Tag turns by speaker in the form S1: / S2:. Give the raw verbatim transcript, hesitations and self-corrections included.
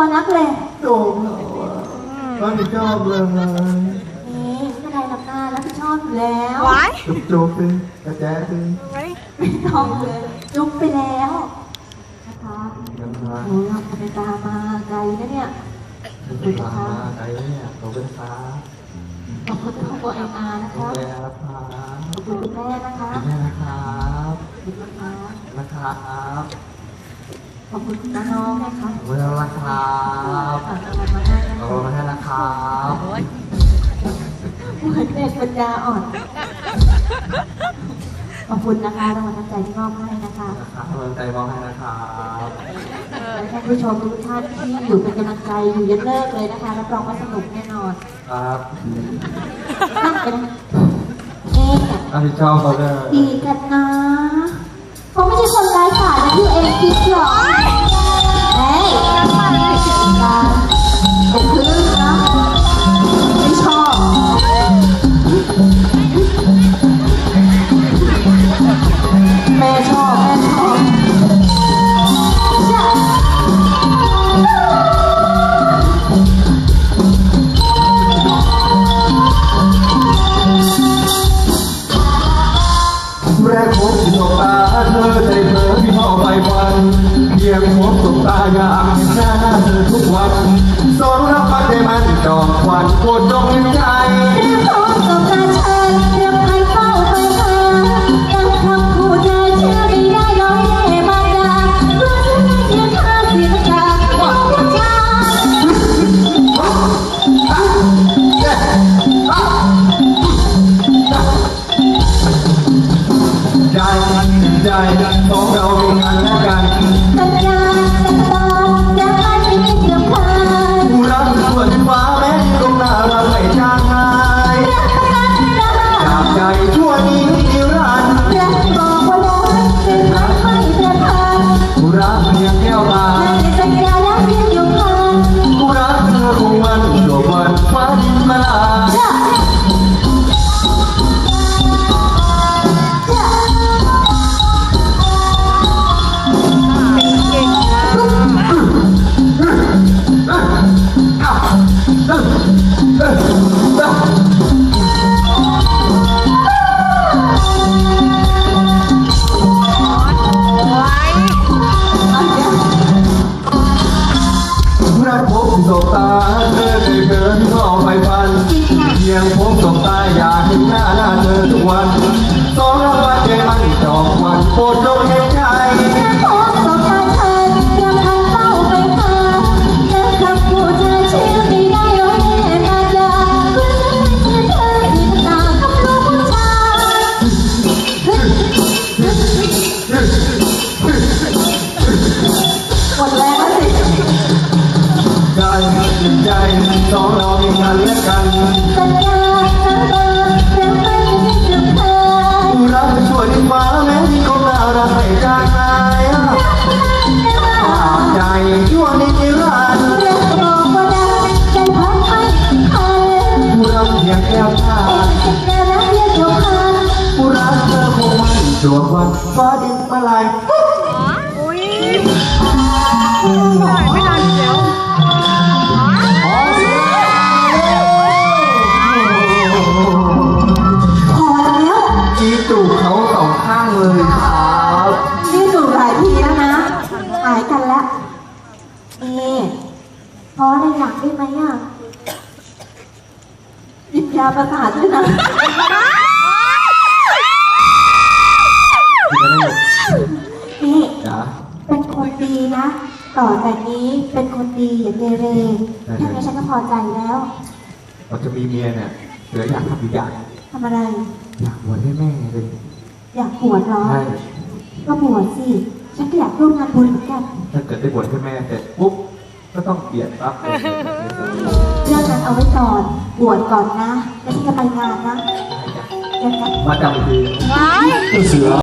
S1: นักเลย
S2: โอ้โหรับผิดชอบเลย
S1: นี่ไม่ได้รับหน้ารับผิดชอบอยู่แล้ว
S2: จุ๊บจุ๊บสิกระแจสิ
S1: ไม่ต้องเลยจุ๊บไปแล้วนะคะโอ้เราไปตามมาไกลนะเนี่ย
S2: ไปตามมาไกลเนี่ยเราเป็นฟ้า
S1: ขอบคุณครอบครัวเอ็มอาร์นะคะขอบคุณคุณแม่นะคะ
S2: แม่นะครับ
S1: นะครับขอบคุณน้องๆนะคะ
S2: ขอบคุณนะครับขอบคุณมาให้นะครับ
S1: เด็กปัญญาอ่อนขอบคุณนะคะรางวัลน้ำใจที่มอบให้นะคะ
S2: รางวัลน้ำใจมอบให้นะครับ
S1: และท่านผู้ชมทุกท่านที่อยู่เป็นกำลังใจอยู่ยันเลิกเลยนะคะรับรองว่าสนุกแน่นอน
S2: ครับ
S1: นั่งเป็นเอ๊ะ
S2: รับผิดชอบเขาเลย
S1: ดีกันนะเขาไม่ใช่คนไร้สายนะที่เองคิดหรอเฮ้ยการเป็นคลื่นนะไม่ชอบแม่ชอบแม่ชอบ
S2: แรกพบสบตาเธอใจเธอพี่พ่อไปวันเพียงพบสบตาอยากเห็นหน้าเธอทุกวันสอนรับฟังใจมันจอมควันโคตรจงในใจ
S1: เรียกพบสบตาเชิญเรียกใครเฝ้าไปหายังคำพูดเธอเชื่อไม่ได้ร้อยเล่มาดารู้สึกเสียท่าเสียจากของผู้ชาย
S2: ใจใจของเราเป็นงานและกัน
S1: สัญญาสัญญาจะให้ไม่เสื่อมคลาย
S2: ผู้รักส่วนฟ้าแม้ที่ตรงหน้าเราไม่จางหายจากใจชั่วนี้นิรันดร์
S1: รักบอกว่ารักเป็นรักไม่เสื่อมคลาย
S2: ผู้รักเพียงแก้วตา
S1: สัญญาแล้วเพียงอยู่ข้าง
S2: ผู้รักเธอคงมันโลกวันฟ้าดินมาลาสบตาเธอเคยเกินก็เอาไปฟันเพียงพบสบตาอยากเห็นหน้าหน้าเธอทุกวันสองรางวัลใจมันจอกวันโปรดจงเห็นใจ
S1: พบสบตาเธอยังทันเฝ้าไปหาและคำพูดเธอเชื่อไม่ได้ร้อยเล่มาดารู้สึกเธอที่ตากับลูกผู้ชายหมดแล้วสิ
S2: ใจใจสองเรามีกันและกัน
S1: สัญญาสัญญาจะไม่เสื่อมคลาย
S2: ผู้รักช่วยฟ้าแม้ที่คงน่ารักไม่จางหายจากใจชั่วนิรันดร์
S1: เรียกบอกว่าได้ใจพัดให้คัน
S2: ผู้รักเพียงแก้วตา
S1: สัญญาแล้วเรียกอยู่ข้าง
S2: ผู้รักเธอคงมันจวบวันฟ้าดินมาลาย
S3: อุ้ยไม่ทันเดี๋ยว
S1: พอแล้ว
S2: จีจูบเขาสองข้างเลยครับ
S1: นี่จูบหลายทีแล้วนะหายกันแล้วเอพอได้อยากได้ไหมอ่ะหยิบยาประสาทด้วยนะนี่เป็นคนดีนะต่อจากนี้เป็นคนดีอย่าเกเรแค่นี้ฉันก็พอใจแล้ว
S2: เราจะมีเมียเนี่ยเหลืออยากทำอีกอย่าง
S1: ทำอะไร
S2: อยากบวชให้แม่เลย
S1: อยากบวชเหรอก็บวชสิฉันก็อยากร่วมงานบุญเหมือนกัน
S2: ถ้าเกิดได้บวชให้แม่เสร็จปุ๊บก็ต้องเปลี่ยนปั๊บ
S1: เรื่องนั้นเอาไว้ก่อนบวชก่อนนะแล้วฉันจะไปงานนะ
S2: มาจำทีเสือ